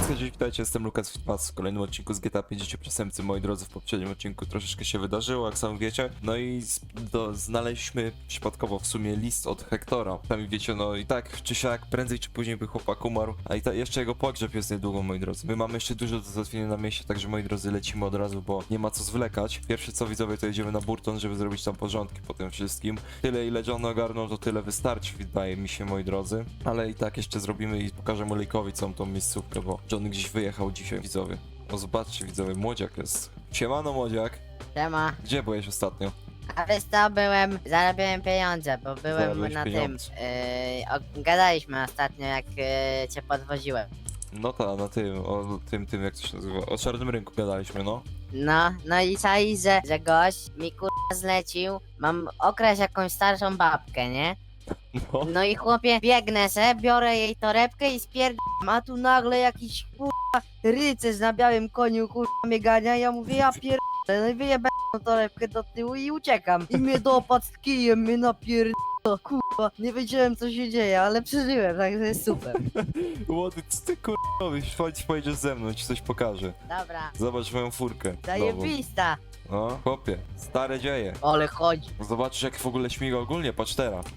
Cześć, witajcie, jestem Lukas Fitmas w kolejnym odcinku z GTA 50 Przestępcy. Moi drodzy, w poprzednim odcinku troszeczkę się wydarzyło, jak sami wiecie. No i znaleźliśmy przypadkowo w sumie list od Hektora. Sami wiecie, no i tak czy siak, prędzej czy później by chłopak umarł. A i jeszcze jego pogrzeb jest niedługo, moi drodzy. My mamy jeszcze dużo do załatwienia na mieście, także moi drodzy, lecimy od razu, bo nie ma co zwlekać. Pierwsze co, widzowie, to jedziemy na Burton, żeby zrobić tam porządki po tym wszystkim. Tyle ile John ogarnął, to tyle wystarczy, wydaje mi się, moi drodzy. Ale i tak jeszcze zrobimy i pokażemy Lake'owi całą tą miejscówkę, bo John gdzieś wyjechał dzisiaj, widzowie. O, zobaczcie, widzowie, młodziak jest. Siemano, młodziak. Siema. Gdzie byłeś ostatnio? A wiesz co, zarabiałem pieniądze, bo byłem Zarabiałeś na pieniądze. gadaliśmy ostatnio jak cię podwoziłem. No ta, na tym, o tym, jak to się nazywa, o czarnym rynku gadaliśmy, no. No i czai, że gość mi kurwa zlecił, mam okraść jakąś starszą babkę, nie? No. No i chłopie, biegnę se, biorę jej torebkę i spierdam, a tu nagle jakiś kurwa rycerz na białym koniu kurwa mnie gania, ja mówię, ja pierdolę, no i wyjebę tą torebkę do tyłu i uciekam. I mnie dopadł z kijem, mnie napierdolę, kurwa, nie wiedziałem co się dzieje, ale przeżyłem, także jest super. Młody, co ty kurwa, chodź, pojedziesz ze mną, ci coś pokażę. Dobra, Zobacz moją furkę. nową. zajebista, No, chłopie, stare dzieje. ale chodzi. Zobaczysz jak w ogóle śmiga ogólnie, patrz teraz.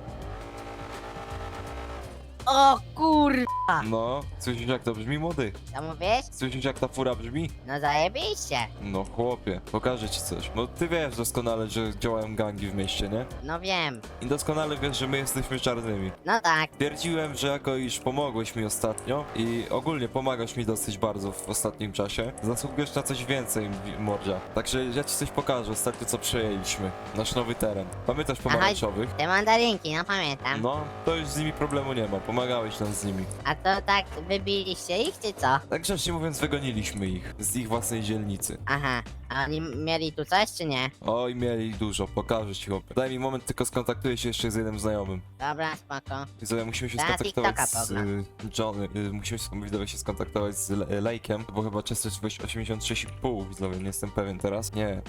O kurwa, No, słyszysz jak to brzmi, młody? co mówisz? Słyszysz jak ta fura brzmi? No zajebiście. No chłopie, pokażę ci coś. No ty wiesz doskonale, że działają gangi w mieście, nie? No wiem, I doskonale wiesz, że my jesteśmy czarnymi. no tak. Twierdziłem, że jako iż pomogłeś mi ostatnio i ogólnie pomagasz mi dosyć bardzo w ostatnim czasie, zasługujesz na coś więcej, mordzia. Także ja ci coś pokażę, ostatnio co przejęliśmy. Nasz nowy teren. Pamiętasz pomarańczowych? Te mandarynki, no pamiętam. No, to już z nimi problemu nie ma, pomagałeś nam z nimi. A to tak wybiliście ich, czy co? Tak grzecznie mówiąc, wygoniliśmy ich z ich własnej dzielnicy. Aha, a oni mieli tu coś, czy nie? Oj, mieli dużo, pokażę ci, chłopie. Daj mi moment, tylko skontaktuję się jeszcze z jednym znajomym. Dobra, spoko. Widzowie, musimy się Na skontaktować TikToka z pogląd. musimy widzowie się skontaktować z Lake'em, bo chyba częstotliwość 86,5, widzowie, nie jestem pewien teraz. Nie,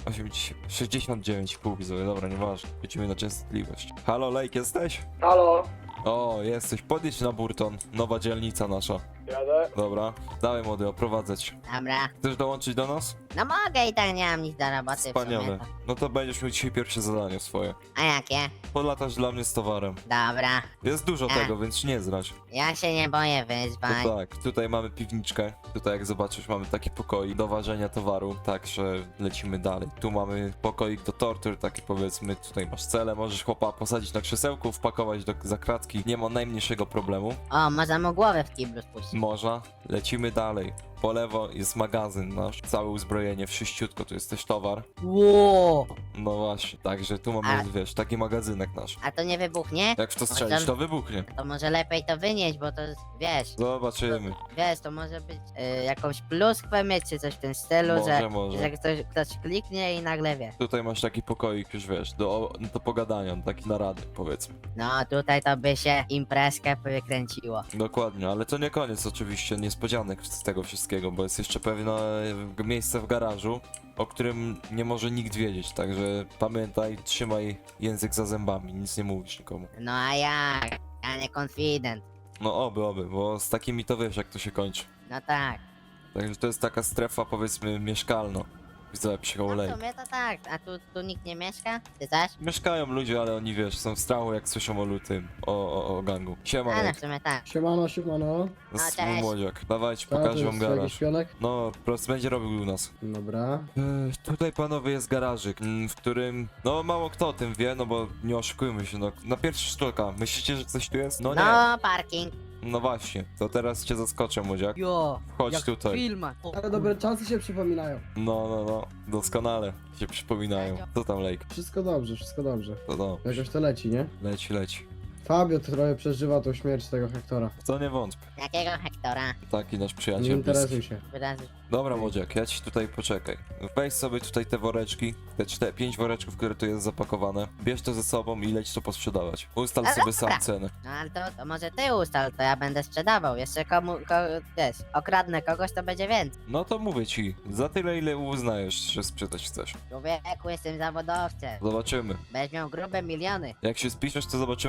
69,5, widzowie, dobra, nieważne. Lecimy na częstotliwość. Halo, Lake, jesteś? Halo, O, jesteś, podjedź na Burton, nowa dzielnica nasza. jadę. Dobra, dawaj młody, oprowadzę cię. Dobra. Chcesz dołączyć do nas? No mogę i tak nie mam nic do roboty w Wspaniale. sumie. No to będziesz miał dzisiaj pierwsze zadanie swoje. A jakie? Podlatasz dla mnie z towarem. Dobra. Jest dużo tego, więc nie zrać. Ja się nie boję wyzwań. No tak, tutaj mamy piwniczkę, tutaj jak zobaczysz mamy taki pokoik do ważenia towaru, także lecimy dalej. Tu mamy pokoik do tortur, taki powiedzmy, tutaj masz cele, możesz chłopa posadzić na krzesełku, wpakować za kratki, nie ma najmniejszego problemu. O, można mu głowę w kiblu spuścić. Można, lecimy dalej. Po lewo jest magazyn nasz, całe uzbrojenie, wszyściutko, tu jest też towar. Ło! No właśnie, także tu mamy, A- wiesz, taki magazynek nasz. A to nie wybuchnie? Jak w to strzelisz, to wybuchnie. To może lepiej to wynieść, bo to wiesz, Zobaczymy. wiesz, to może być jakąś pluskwę mieć, czy coś w tym stylu, Może. że ktoś kliknie i nagle wie. Tutaj masz taki pokoik już, wiesz, do pogadania, taki narady, powiedzmy. No, tutaj to by się imprezkę wykręciło. Dokładnie, ale to nie koniec oczywiście niespodzianek z tego wszystkiego, bo jest jeszcze pewne miejsce w garażu, o którym nie może nikt wiedzieć, także pamiętaj, trzymaj język za zębami, nic nie mówisz nikomu. No a jak? Ja nie confident. No oby, bo z takimi to wiesz jak to się kończy. No tak. Także to jest taka strefa powiedzmy mieszkalna. Widzę No psycholej. w sumie to tak. A tu nikt nie mieszka? Ty też? Mieszkają ludzie, ale oni wiesz, są w strachu jak słyszą o lutym, o gangu. Siema, A no w Lek. sumie tak. Siemano, siemano. To jest A, mój cześć. młodziak. Dawajcie, Tak, to pokażę wam jest jakiś garaż. pionek? No, po prostu będzie robił u nas. Dobra. Tutaj panowie jest garażyk, w którym, no mało kto o tym wie, no bo nie oszukujmy się, no na pierwszy rzut oka, myślicie, że coś tu jest? No nie, No, parking. no właśnie, to teraz cię zaskoczę, młodziak. Jo, Chodź tutaj. filmach. Ale dobre czasy się przypominają. No, doskonale się przypominają. Co tam, Lake? Wszystko dobrze, wszystko dobrze. To no, Jakoś to leci, nie? leci. Fabio trochę przeżywa tą śmierć tego Hektora. W to nie wątpię, Jakiego Hektora? taki nasz Nie przyjaciel bliski. interesuj się. Wyrazy. Dobra, młodziak, ja ci tutaj poczekaj. Weź sobie tutaj te woreczki, te 5 woreczków, które tu jest zapakowane. Bierz to ze sobą i leć to posprzedawać. Ustal Ale sobie dobra. sam cenę. No ale to może ty ustal, to ja będę sprzedawał. Jeszcze wiesz, okradnę kogoś, to będzie więcej. No to mówię ci, za tyle ile uznajesz, że sprzedać chcesz. Człowieku, jestem zawodowcem. Zobaczymy. Będziesz miał grube miliony. Jak się spiszesz, to zobaczymy, co z tobą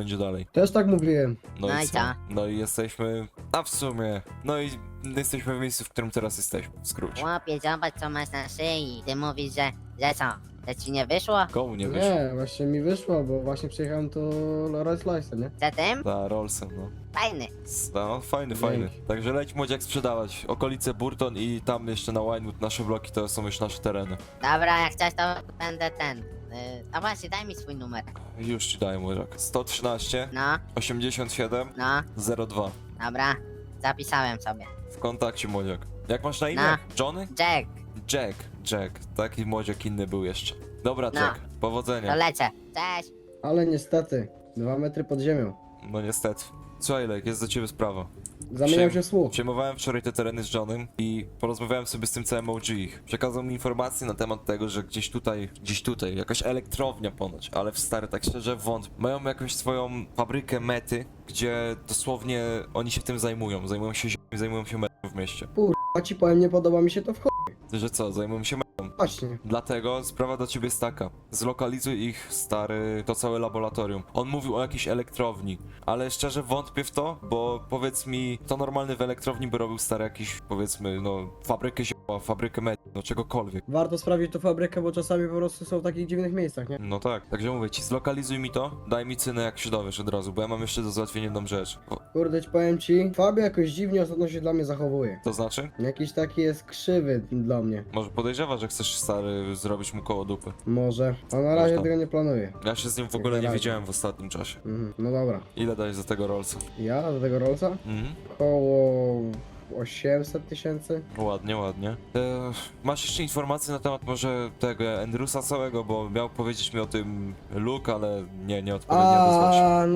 będzie dalej. Też tak mówiłem. No i co? No i jesteśmy, a w sumie, no i jesteśmy w miejscu, w którym teraz jesteśmy, w skrócie. Chłopie, zobacz co masz na szyi. Ty mówisz, że co? Że ci nie wyszło? Komu nie wyszło? Nie, właśnie mi wyszło, bo właśnie przyjechałem to Rolls Royce, nie? Za tym? Za Rollsem, no. Fajny. No, fajny, fajny. Także leć młodziak sprzedawać. Okolice Burton i tam jeszcze na Winewood nasze bloki to są już nasze tereny. Dobra, jak chcesz to będę ten. A właśnie, daj mi swój numer. Już ci daję młodziak. 113 No, 87 no, 02. dobra. Zapisałem sobie. W kontakcie młodziak. Jak masz na imię? No. Johnny? Jack, Jack. Taki młodziak inny był jeszcze. Dobra, No. Jack. to Powodzenia. lecę. Cześć. Ale niestety, 2 metry pod ziemią. No niestety. Słuchaj, Lek, jest do ciebie sprawa. Zamieniam się w słuch. Przejmowałem wczoraj te tereny z Johnem i porozmawiałem sobie z tym całym OG ich. Przekazał mi informacje na temat tego, że gdzieś tutaj, jakaś elektrownia ponoć, ale w stary, tak szczerze wątpię. Mają jakąś swoją fabrykę mety, gdzie dosłownie oni się tym zajmują. Zajmują się ziemią, zajmują się metą w mieście. A ci powiem, nie podoba mi się to w chuj. Że co, zajmują się metą. Właśnie. Dlatego sprawa do ciebie jest taka. Zlokalizuj ich, stary, to całe laboratorium. On mówił o jakiejś elektrowni, ale szczerze wątpię w to, bo powiedz mi, to normalny w elektrowni by robił stary jakiś, powiedzmy, no, fabrykę zioła, fabrykę med, no czegokolwiek. Warto sprawdzić tą fabrykę, bo czasami po prostu są w takich dziwnych miejscach, nie? No tak, także mówię ci, zlokalizuj mi to, daj mi cynę jak się dowiesz od razu, bo ja mam jeszcze do załatwienia jedną rzecz. Kurde, ci powiem ci, Fabio jakoś dziwnie ostatnio się dla mnie zachowuje. To znaczy? Jakiś taki jest krzywy dla mnie. Może podejrzewa, że chcesz, stary, zrobić mu koło dupy. Może. A na razie Można. tego nie planuję. Ja się z nim w ogóle nie razie. widziałem w ostatnim czasie. No dobra. Ile dajesz za tego Rollsa? Ja do tego Rollsa? Mhm. Koło 800 tysięcy. Ładnie, ładnie. Masz jeszcze informacje na temat może tego Andrewsa całego, bo miał powiedzieć mi o tym Luke, ale nie odpowiednio odezwał się. A,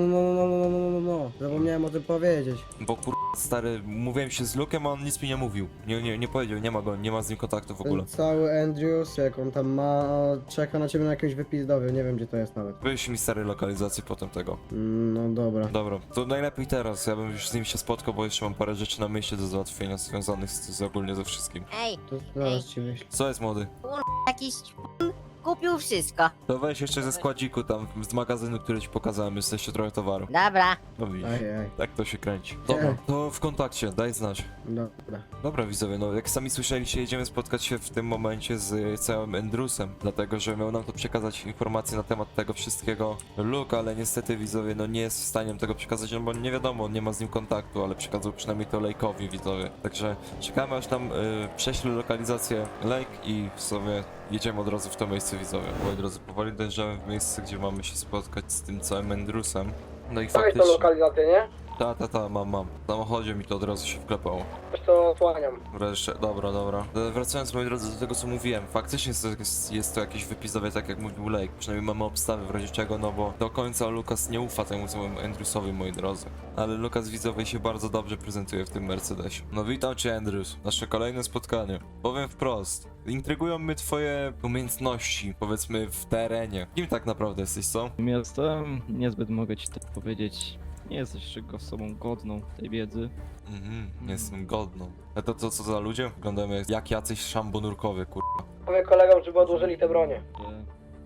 no. Zapomniałem o tym powiedzieć. Bo stary, mówiłem się z Luke'em, a on nic mi nie mówił. Nie powiedział, nie ma go, nie ma z nim kontaktu w ogóle. Ten cały Andrews, jak on tam ma, czeka na ciebie na jakimś wypizdowie, nie wiem gdzie to jest nawet. Wyjść mi stary lokalizację potem tego. No dobra. Dobra, to najlepiej teraz, ja bym już z nim się spotkał, bo jeszcze mam parę rzeczy na myśli do załatwienia związanych z ogólnie ze wszystkim. Ej, To zaraz ci wyślę. Co jest młody? jakiś kupił wszystko. To weź jeszcze ze składziku tam, z magazynu, który ci pokazałem, jest jeszcze trochę towaru. Dobra. No widzisz. Aj. Tak to się kręci. Dobra, to w kontakcie, daj znać. Dobra. Dobra widzowie, no jak sami słyszeliście, jedziemy spotkać się w tym momencie z całym Andrewsem, dlatego że miał nam to przekazać informacje na temat tego wszystkiego Luke, ale niestety widzowie, no nie jest w stanie nam tego przekazać, no bo nie wiadomo, nie ma z nim kontaktu, ale przekazał przynajmniej to Lake'owi widzowie. Także czekamy aż nam prześle lokalizację Lake i w sumie jedziemy od razu w to miejsce widzowie. Moi drodzy, powoli dojrzemy w miejsce, gdzie mamy się spotkać z tym całym Andrewsem. No i faktycznie... lokalizację, nie? Mam. W samochodzie mi to od razu się wklepało. Też to osłaniam. Wreszcie, dobra. Wracając moi drodzy do tego co mówiłem, faktycznie jest to jakieś wypisowe, tak jak mówił Lake. Przynajmniej mamy obstawy w razie czego, no bo do końca Lukas nie ufa temu całemu Andrewsowi, moi drodzy. Ale Lukas widzowie się bardzo dobrze prezentuje w tym Mercedesie. No witam cię Andrews, nasze kolejne spotkanie. Powiem wprost, intrygują mnie twoje umiejętności, powiedzmy w terenie. Kim tak naprawdę jesteś, co? Jestem, niezbyt mogę ci to powiedzieć. Nie jesteś czego osobą godną tej wiedzy. Jestem godną. A to co za ludzie? Wyglądamy jak jacyś szambonurkowie, Powiem kolegom, żeby odłożyli te bronie. Że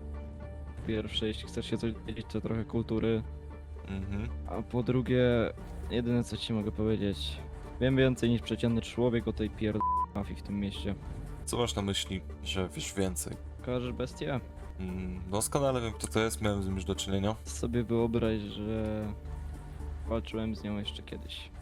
po pierwsze, jeśli chcesz się coś dowiedzieć, to trochę kultury. A po drugie, jedyne co ci mogę powiedzieć. Wiem więcej niż przeciętny człowiek o tej mafii w tym mieście. Co masz na myśli, że wiesz więcej? Kojarzysz bestię? Doskonale wiem kto to jest, miałem z nim już do czynienia. Sobie wyobraź, że walczyłem z nią jeszcze kiedyś.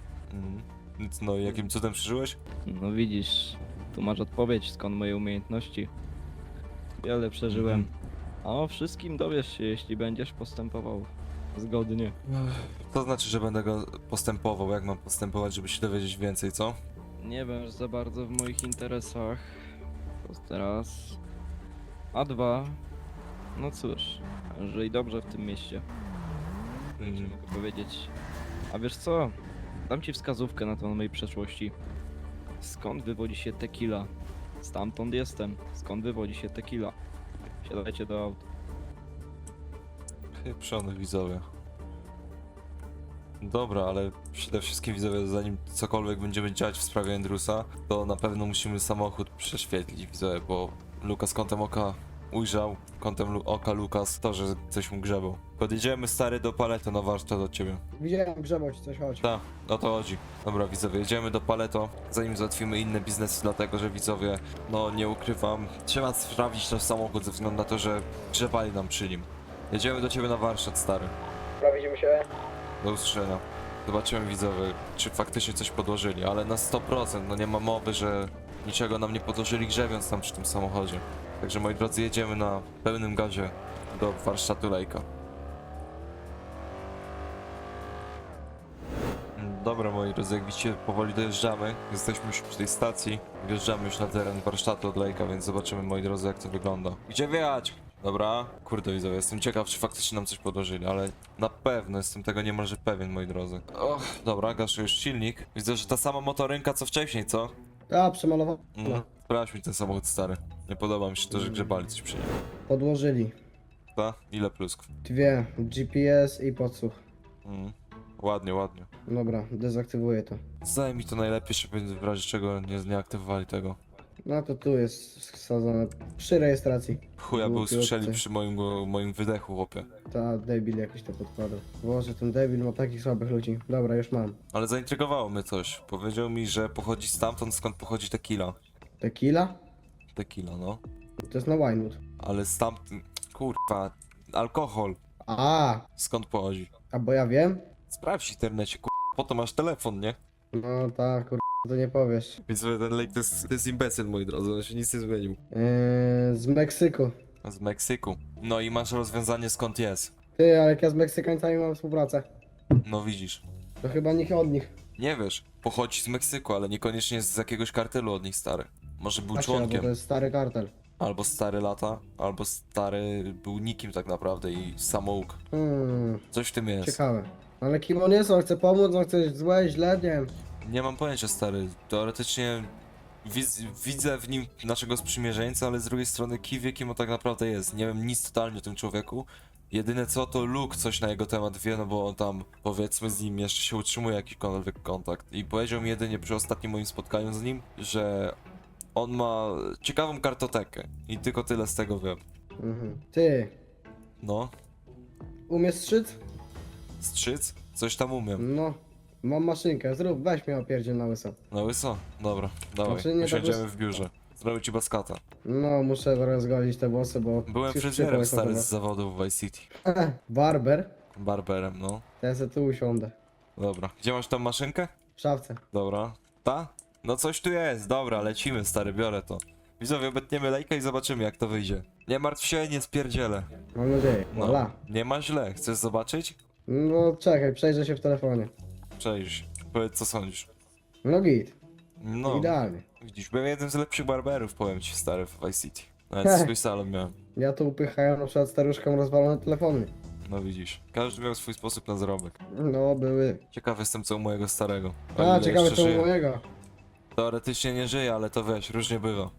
Więc no, jakim cudem przeżyłeś? No widzisz, tu masz odpowiedź, skąd moje umiejętności. Wiele przeżyłem. A o wszystkim dowiesz się, jeśli będziesz postępował zgodnie. To znaczy, że będę go postępował, jak mam postępować, żeby się dowiedzieć więcej, co? Nie wiem za bardzo w moich interesach. To raz. A dwa. No cóż, żyj dobrze w tym mieście. Tyle ci mogę powiedzieć. A wiesz co? Dam ci wskazówkę na to mojej przeszłości. Skąd wywodzi się tequila? Stamtąd jestem. Skąd wywodzi się tequila? Siadajcie do aut. Pieprzonych widzowie. Dobra, ale przede wszystkim widzowie, zanim cokolwiek będziemy działać w sprawie Andrewsa, to na pewno musimy samochód prześwietlić widzowie, bo Lukas kątem oka ujrzał kątem oka Lukas to, że coś mu grzebał. Podjedziemy stary do Paleto na warsztat od ciebie. Widziałem grzebał ci coś, chodź. Tak, o to chodzi. Dobra widzowie, jedziemy do Paleto, zanim załatwimy inne biznesy, dlatego że widzowie, no nie ukrywam, trzeba sprawdzić nasz samochód ze względu na to, że grzebali nam przy nim. Jedziemy do ciebie na warsztat, stary. Dobra, widzimy się. Do usłyszenia. Zobaczymy widzowie, czy faktycznie coś podłożyli, ale na 100%, no nie ma mowy, że niczego nam nie podłożyli grzebiąc tam przy tym samochodzie. Także moi drodzy, jedziemy na pełnym gazie do warsztatu Lejka. Dobra moi drodzy, jak widzicie powoli dojeżdżamy, jesteśmy już przy tej stacji, wjeżdżamy już na teren warsztatu od Lejka, więc zobaczymy moi drodzy jak to wygląda. Gdzie wjechać? Dobra, kurde widzowie, jestem ciekaw czy faktycznie nam coś podłożyli, ale na pewno jestem tego niemalże pewien moi drodzy. Och, dobra, gaszę już silnik. Widzę, że ta sama motorynka co wcześniej, co? A, przemalował. Sprawdź mi ten samochód stary. Nie podoba mi się to, że grzebali coś przy nim. Podłożyli. Ta? Ile plusków? 2, GPS i podsłuch. Ładnie, ładnie. Dobra, dezaktywuję to. Zdaje mi to najlepiej, żeby w razie czego nie aktywowali tego. No to tu jest wsadzone przy rejestracji. Chuja by Głupi usłyszeli obcy. przy moim wydechu, chłopie. Ta debil jakiś to podkładał. Boże, ten debil ma takich słabych ludzi. Dobra, już mam. Ale zaintrygowało mnie coś. Powiedział mi, że pochodzi stamtąd, skąd pochodzi tequila. Tequila? Tequila, no. To jest na Winewood. Ale stamtąd... Kurwa... Alkohol. Skąd pochodzi? A bo ja wiem? Sprawdź w internecie, kurwa. Po to masz telefon, nie? No tak, to nie powiesz. Więc ten lejk to jest imbecyl, moi drodzy. On się nic nie zmienił. Z Meksyku. Z Meksyku. No i masz rozwiązanie skąd jest. Ty, ale jak ja z Meksykańcami mam współpracę. No widzisz. To chyba nikt od nich. Nie wiesz, pochodzi z Meksyku, ale niekoniecznie z jakiegoś kartelu od nich, stary. Może był Właśnie, bo członkiem, to jest stary kartel. albo stary lata, albo stary był nikim tak naprawdę i samouk. Coś w tym jest. Ciekawe. Ale kim on jest? On chce pomóc, on chce złe, źle, nie wiem. Nie mam pojęcia, stary. Teoretycznie widzę w nim naszego sprzymierzeńca, ale z drugiej strony wie kim on tak naprawdę jest. Nie wiem nic totalnie o tym człowieku. Jedyne co, to Luke coś na jego temat wie, no bo on tam, powiedzmy, z nim jeszcze się utrzymuje jakikolwiek kontakt. I powiedział mi jedynie przy ostatnim moim spotkaniu z nim, że on ma ciekawą kartotekę. I tylko tyle z tego wiem. Ty, No, umiesz strzyc? strzyc? Coś tam umiem. No. Mam maszynkę, zrób, weź mnie opierdziel na łyso. Na łyso? Dobra, dawaj, Znaczy, nie tak usiądziemy łys- w biurze. Zrobię ci baskata. No, muszę rozgolić te włosy, bo... Byłem już fryzjerem przypał stary jest z zawodu w Vice City. Barber? Barberem, no. Ja se tu usiądę. Dobra. Gdzie masz tą maszynkę? W szafce. Dobra. Ta? No coś tu jest, dobra, lecimy stary, biorę to. Widzowie, obetniemy lejka i zobaczymy jak to wyjdzie. Nie martw się, nie spierdzielę. Mam nadzieję. No, Voilà. nie ma źle. Chcesz zobaczyć? No czekaj, przejrzę się w telefonie. Przejrzyj. Powiedz co sądzisz. No git, No, idealnie. widzisz, byłem jednym z lepszych barberów, powiem ci stary, w Vice City. Nawet swój salon miałem. Ja tu upychają na przykład staruszkom rozwalone telefony. No widzisz, każdy miał swój sposób na zarobek. No, były. Ciekaw jestem co u mojego starego. O A, ile ciekawe jeszcze co u żyje. mojego. Teoretycznie nie żyje, ale to wiesz, różnie bywa.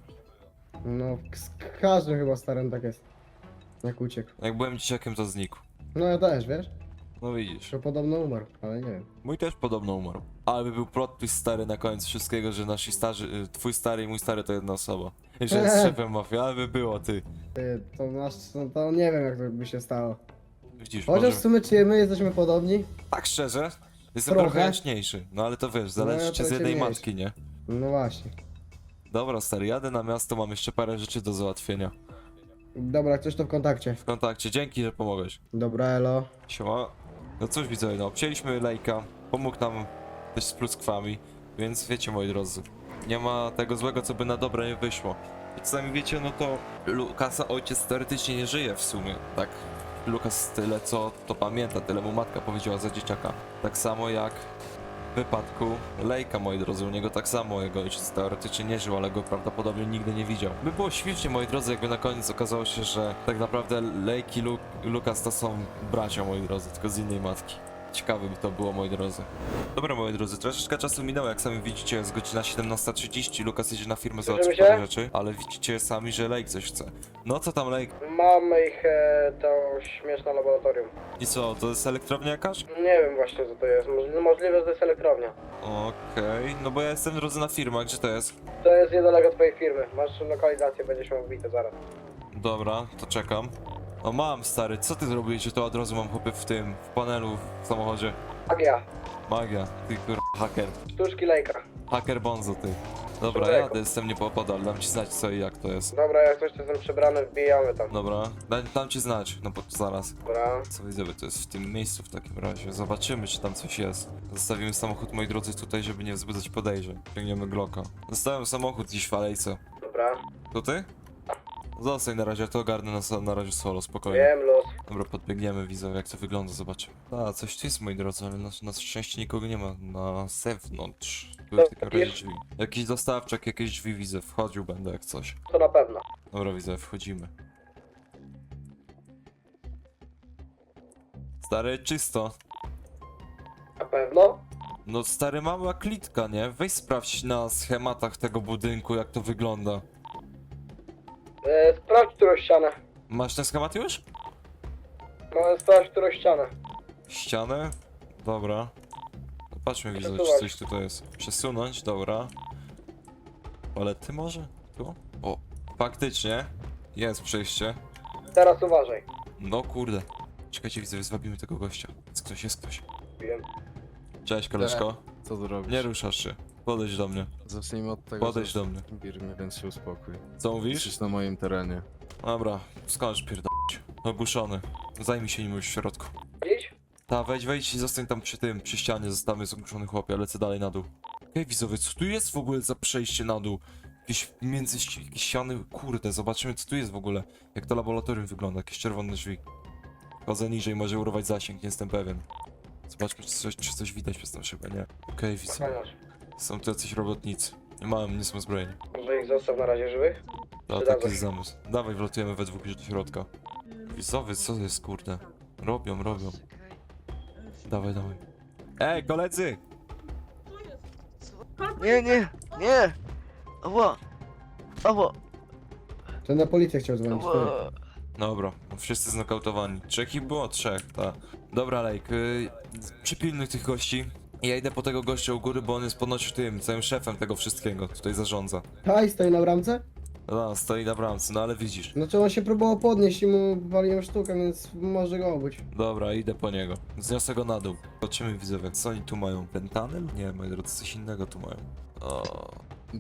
No, z każdym chyba starym tak jest. Jak uciekł. Jak byłem dzieciakiem to znikł. No ja też, wiesz? No widzisz. Że podobno umarł, ale nie wiem. Mój też podobno umarł. Ale by był plot twist stary na koniec wszystkiego, że nasi starzy, twój stary i mój stary to jedna osoba. I że jest szefem mafii, ale by było ty. Ty, to masz, to nie wiem jak to by się stało. Widzisz, Chociaż może... w sumie czy my jesteśmy podobni? Tak szczerze, jestem Trochę. trochę jaśniejszy. No ale to wiesz, zależy ja cię z trochę jednej mniejszy. matki, nie? No właśnie. Dobra stary, jadę na miasto, mam jeszcze parę rzeczy do załatwienia. Dobra, jak coś to w kontakcie. W kontakcie, dzięki, że pomogłeś. Dobra, elo. Siema. No cóż widzowie, no obcięliśmy lejka, pomógł nam też z pluskwami, więc wiecie moi drodzy, nie ma tego złego co by na dobre nie wyszło. Jak sami wiecie, no to Lukasa ojciec teoretycznie nie żyje w sumie, tak? Lukas tyle co to pamięta, tyle mu matka powiedziała za dzieciaka. Tak samo jak w wypadku Lejka, moi drodzy, u niego tak samo jego ojciec teoretycznie nie żył, ale go prawdopodobnie nigdy nie widział. By było świetnie, moi drodzy, jakby na koniec okazało się, że tak naprawdę Lejk i Lukas to są bracia, moi drodzy, tylko z innej matki. Ciekawe by to było, moi drodzy. Dobra, moi drodzy, troszeczkę czasu minęło, jak sami widzicie, jest godzina 17:30, Lukas jedzie na firmę załatwić Słyszymy się? parę rzeczy, ale widzicie sami, że Lejk coś chce. No co tam, Lejk? Mamy ich to śmieszne laboratorium. I co, to jest elektrownia jakaś? Nie wiem właśnie co to jest. Możliwe, że to jest elektrownia. Okej, no bo ja jestem w drodze na firmę, gdzie to jest? To jest niedaleko twojej firmy. Masz lokalizację, będziesz miał wbite zaraz. Dobra, to czekam. O mam, stary, co ty zrobiłeś, że to od razu mam chłopie w tym, w panelu w samochodzie? Magia. Magia, ty kur... haker. Sztuczki lejka. Haker bonzo, ty. Dobra, Człowieku. jadę, jestem niepopodal, dam ci znać co i jak to jest. Dobra, jak coś to jestem przebrany, wbijamy tam. Dobra, dam ci znać, no bo zaraz. Dobra. Co widzę, to jest w tym miejscu w takim razie. Zobaczymy, czy tam coś jest. Zostawimy samochód, moi drodzy, tutaj, żeby nie wzbudzać podejrzeń. Ciągniemy Glocka. Zostawiam samochód gdzieś w alejce. Dobra. To ty? Zostań na razie, ja to ogarnę na razie solo, spokojnie. Wiem, los. Dobra, podbiegniemy, widzę jak to wygląda, zobaczymy. A, coś tu jest, moi drodzy, ale na szczęście nikogo nie ma na zewnątrz. Były w takim razie drzwi. Jakiś dostawczak, jakieś drzwi widzę, wchodził będę jak coś. To na pewno. Dobra, widzę, wchodzimy. Stary, czysto. Na pewno? No stary, mała klitka, nie? Weź sprawdź na schematach tego budynku, jak to wygląda. Sprawdź którą ścianę. Masz ten schemat już? No, sprawdź którą ścianę. Ścianę? Dobra. No patrzmy, widzę, czy Przesuwać. coś tutaj jest. Przesunąć, dobra. Ale ty może? Tu? O, faktycznie. Jest przejście. Teraz uważaj. No kurde. Czekajcie, widzę, zwabimy tego gościa. Jest ktoś. Wiem. Cześć, koleżko. Co tu robisz? Nie ruszasz się. Podejdź do mnie. Zacznijmy od tego, Podejdź że do mnie. bir mnie, więc się uspokój. Co mówisz? Jesteś na moim terenie. Dobra, skądś pierdolić. Ogłuszony. Zajmij się nim już w środku. Dziś? Ta, wejdź i zostań tam przy tym, przy ścianie, zostawmy zgłuszony chłopie, lecę dalej na dół. Okej, widzowie, co tu jest w ogóle za przejście na dół? Jakieś jakieś ściany, kurde, zobaczymy co tu jest w ogóle. Jak to laboratorium wygląda, jakieś czerwone drzwi. Chodzę niżej, może urwać zasięg, nie jestem pewien. Zobaczmy, czy coś widać przez tą szybę, nie? Okej, widzowie, Ochroniarz. są tu jacyś robotnicy. Nie są zbrojeni. Może ich zostaw na razie żywych? To Przydadzą taki jest się. zamysł. Dawaj, wlatujemy we dwóch już do środka. Widzowie, co to jest, kurde? Robią. Dawaj. Ej, koledzy! Nie! Ała! To na policję chciał dzwonić. Ała! Dobra, wszyscy znokautowani. Trzech ich było? Trzech, tak. Dobra, Lejk, przypilnuj tych gości. Ja idę po tego gościa u góry, bo on jest ponoć tym, całym szefem tego wszystkiego, tutaj zarządza. Haj, stoi na bramce? No, stoi na bramce, no ale widzisz. Znaczy on się próbował podnieść i mu waliłem sztukę, więc może go obyć. Dobra, idę po niego. Zniosę go na dół. Zobaczymy, widzowie, co oni tu mają? Pentanyl? Nie, moi drodzy, coś innego tu mają. O,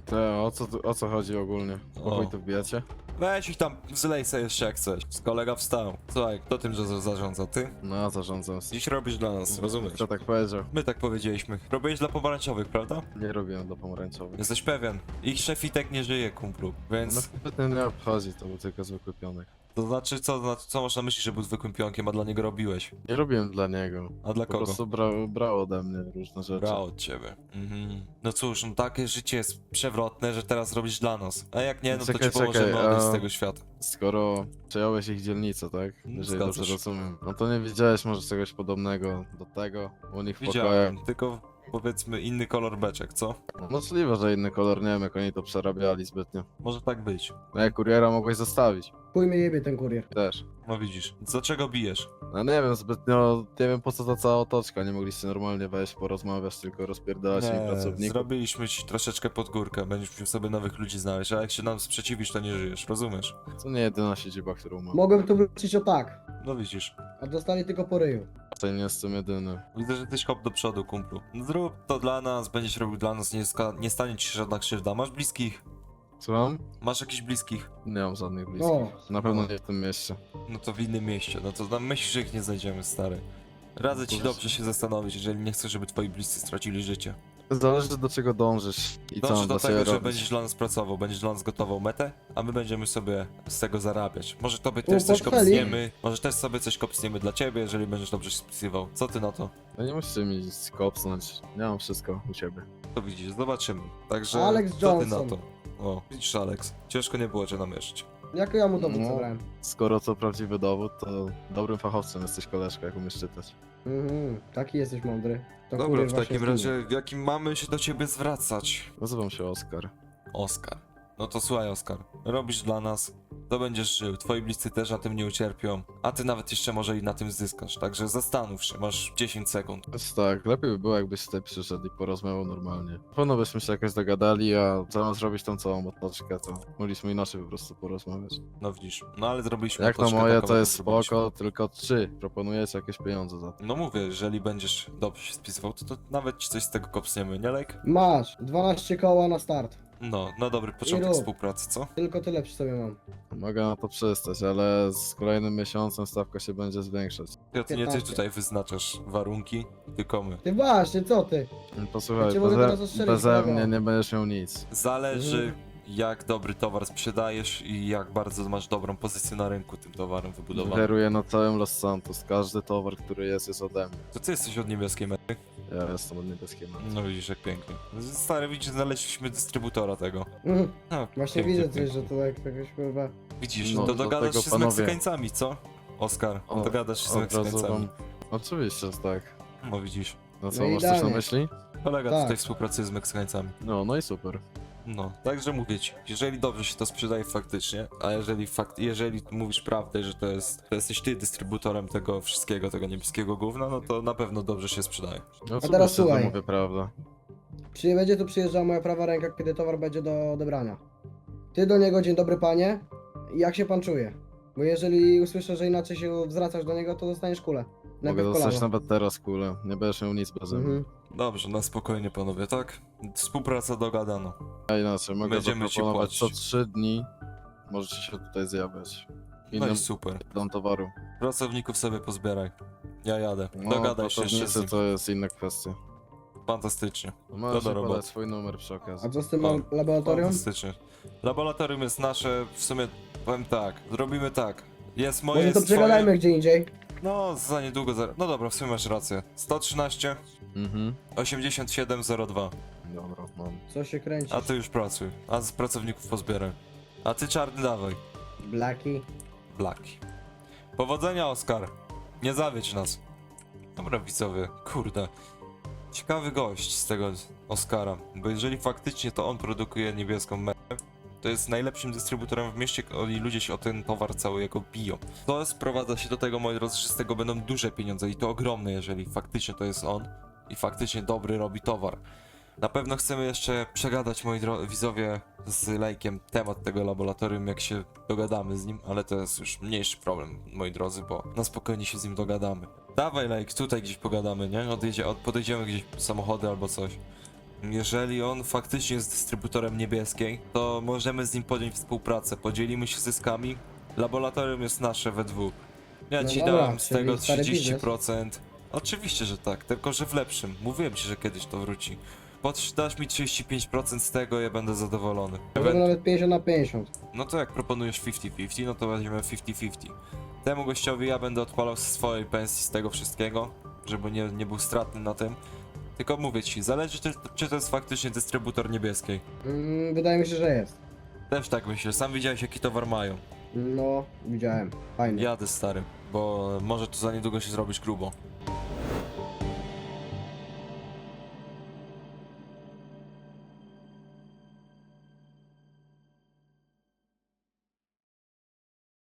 O co chodzi ogólnie? O. O chuj tu wbijacie? weź ich tam, zlej sobie jeszcze jak chcesz. Kolega wstał. Słuchaj, kto tym że zarządza? Ty? No, zarządzam. Dziś robisz dla nas, rozumiesz? Kto tak powiedział? My tak powiedzieliśmy. Robiłeś dla pomarańczowych, prawda? Nie robiłem dla pomarańczowych. Jesteś pewien. Ich szefitek nie żyje, kumplu, No więc... pytanie nie obchodzi, to był tylko zwykły pionek. To znaczy, co masz na myśli, że był zwykłym pionkiem, a dla niego robiłeś? Nie robiłem dla niego. A dla Po kogo? prostu brał ode mnie różne rzeczy. Brał od ciebie. Mhm. No cóż, no takie życie jest przewrotne, że teraz robisz dla nas. A jak nie, no to Czekaj, ci pomożemy czekaj, odejść z a- tego świata. Skoro przejąłeś ich dzielnicę, tak? Jeżeli Zgadza dobrze się. rozumiem. No to nie widziałeś może czegoś podobnego do tego u nich w pokojach. Widziałem, tylko powiedzmy inny kolor beczek, co? Możliwe, że inny kolor, nie wiem jak oni to przerabiali zbytnio. Może tak być. No jak kuriera mogłeś zostawić. Chuj mnie jebie ten kurier. Też. No widzisz. Dlaczego bijesz? No nie wiem zbytnio, nie wiem po co ta cała otoczka, nie mogliście normalnie wejść, porozmawiać, tylko rozpierdalać mi pracowników. zrobiliśmy ci troszeczkę pod górkę, będziesz musiał sobie nowych ludzi znaleźć, a jak się nam sprzeciwisz, to nie żyjesz, rozumiesz? To nie jedyna siedziba, którą mam. Mogłem tu wrócić o tak, No widzisz. a dostali tylko po ryju. To nie jestem jedyny. Widzę, że jesteś hop do przodu, kumplu. No zrób to dla nas, będziesz robił dla nas, nie stanie ci się żadna krzywda. Masz bliskich? Słucham? Masz jakichś bliskich? Nie mam żadnych bliskich. O, Na pewno nie w tym mieście. No to w innym mieście, no to nam myślisz, że ich nie znajdziemy, stary. Radzę ci dobrze się zastanowić, jeżeli nie chcesz, żeby twoi bliscy stracili życie. Zależy do czego dążysz i co Dąż mam do dla ciebie tego, że robić. będziesz dla nas pracował, będziesz dla nas gotował metę, a my będziemy sobie z tego zarabiać. Może tobie też coś portfeli. kopsniemy, może też sobie coś kopsniemy dla ciebie, jeżeli będziesz dobrze się spisywał. Co ty na to? No nie musicie mi kopsnąć, ja mam wszystko u siebie. To widzisz, zobaczymy. Także Alex co ty na Johnson. to? O, widzisz Alex, ciężko nie było cię namierzyć. jak ja mu dowód No. zabrałem? Skoro to prawdziwy dowód, to dobrym fachowcem jesteś koleżka, jak umiesz czytać. Taki jesteś mądry. To Dobra, kurier w właśnie takim zginie. razie, w jakim mamy się do ciebie zwracać? Nazywam się Oskar. Oskar. No to słuchaj Oskar, robisz dla nas, to będziesz żył, twoi bliscy też na tym nie ucierpią, a ty nawet jeszcze może i na tym zyskasz, także zastanów się, masz 10 sekund. Więc tak, lepiej by było jakbyś tutaj przyszedł i porozmawiał normalnie. Na pewno byśmy się jakoś dogadali, a zamiast robić tą całą otoczkę, to mogliśmy inaczej po prostu porozmawiać. No widzisz, no ale zrobiliśmy Jak na otoczkę moje taką, to jaką jest zrobiliśmy. spoko, tylko czy proponujecie jakieś pieniądze za to? No mówię, jeżeli będziesz dobrze się spisywał, to nawet ci coś z tego kopsniemy, nie Lejk? Masz, 12 koła na start. No, na dobry początek rób. współpracy, co? Tylko tyle przy sobie mam. Mogę na to przystać, ale z kolejnym miesiącem stawka się będzie zwiększać. Ja ty nie ty 15. tutaj wyznaczasz warunki, tylko my. Ty właśnie, co ty? Posłuchaj, Ja cię mogę teraz ostrzelić, beze kolego. mnie nie będziesz miał nic. Zależy jak dobry towar sprzedajesz i jak bardzo masz dobrą pozycję na rynku tym towarem wybudowaną. Kieruję na całym Los Santos. Każdy towar, który jest ode mnie. To ty jesteś od niebieskiej mety? Ja jestem od niebieskiej marki. No widzisz jak pięknie. Stary, widzisz, znaleźliśmy dystrybutora tego. Mhm. No, Właśnie pięknie, widzę coś, pięknie. że to jak jakoś kurwa... Widzisz, No, to do dogadasz tego się panowie- z Meksykańcami, co? Oskar, dogadasz się z Od razu Meksykańcami. wam... Oczywiście, że tak. No widzisz. No co, No masz coś na idealnie. myśli? Kolega Tak. tutaj współpracuje z Meksykańcami. No i super. No, także mówię ci, jeżeli dobrze się to sprzedaje faktycznie, a jeżeli mówisz prawdę, że to jesteś ty dystrybutorem tego wszystkiego, tego niebieskiego gówna, no to na pewno dobrze się sprzedaje. No co teraz że słuchaj. mówię prawdę. Czy będzie tu przyjeżdżała moja prawa ręka, kiedy towar będzie do odebrania? Ty do niego, dzień dobry panie, jak się pan czuje? Bo jeżeli usłyszę, że inaczej się zwracasz do niego, to dostaniesz kulę. Mogę Najpierw dostać kolano. nawet teraz kulę. Nie będziesz miał nic bez mnie. Mhm. Dobrze, na spokojnie panowie, tak? Współpraca dogadano. A inaczej, mogę Będziemy ci zaproponować co płacić. 3 dni. Możecie się tutaj zjawiać. No Innym i super. dom towaru. Pracowników sobie pozbieraj. Ja jadę. No, Dogadaj się jeszcze z pracownicy nim. to jest inna kwestia. Fantastycznie. Możesz do mi roboty. podać swój numer przy okazji. A co z tym O, laboratorium? Fantastycznie. Laboratorium jest nasze, w sumie powiem tak, zrobimy tak. Jest moje, Może to jest twoje. przegadajmy gdzie indziej. No, za niedługo, no dobra, w sumie masz rację. 113 Mhm. 8702. Dobra, mam. Co się kręci? A ty już pracuj, a z pracowników pozbieraj. A ty czarny dawaj. Blaki. Blaki. Powodzenia, Oskar. Nie zawiedź nas. Dobra, widzowie, kurde. Ciekawy gość z tego Oskara, bo jeżeli faktycznie to on produkuje niebieską metę, to jest najlepszym dystrybutorem w mieście i ludzie się o ten towar cały jego biją. To sprowadza się do tego, moi drodzy, że z tego będą duże pieniądze i to ogromne, jeżeli faktycznie to jest on i faktycznie dobry robi towar. Na pewno chcemy jeszcze przegadać, moi widzowie, z Lejkiem temat tego laboratorium, jak się dogadamy z nim, ale to jest już mniejszy problem, moi drodzy, bo na spokojnie się z nim dogadamy. Dawaj, Lejk, tutaj gdzieś pogadamy, nie? Podejdziemy gdzieś samochody albo coś. Jeżeli on faktycznie jest dystrybutorem niebieskiej, to możemy z nim podjąć współpracę, podzielimy się zyskami. Laboratorium jest nasze we dwóch. Ja No ci dobra, dałem z czyli tego stary 30%. Oczywiście, że tak, tylko że w lepszym. Mówiłem ci, że kiedyś to wróci. Dasz mi 35% z tego, ja będę zadowolony. Może nawet 50 na 50. No to jak proponujesz 50-50, no to weźmiemy 50-50. Temu gościowi ja będę odpalał z swojej pensji z tego wszystkiego, żeby nie był stratny na tym. Tylko mówię ci, zależy czy to jest faktycznie dystrybutor niebieskiej. Wydaje mi się, że jest. Też tak myślę, sam widziałeś jaki towar mają. No, widziałem. Fajnie. Jadę stary, bo może tu za niedługo się zrobić grubo.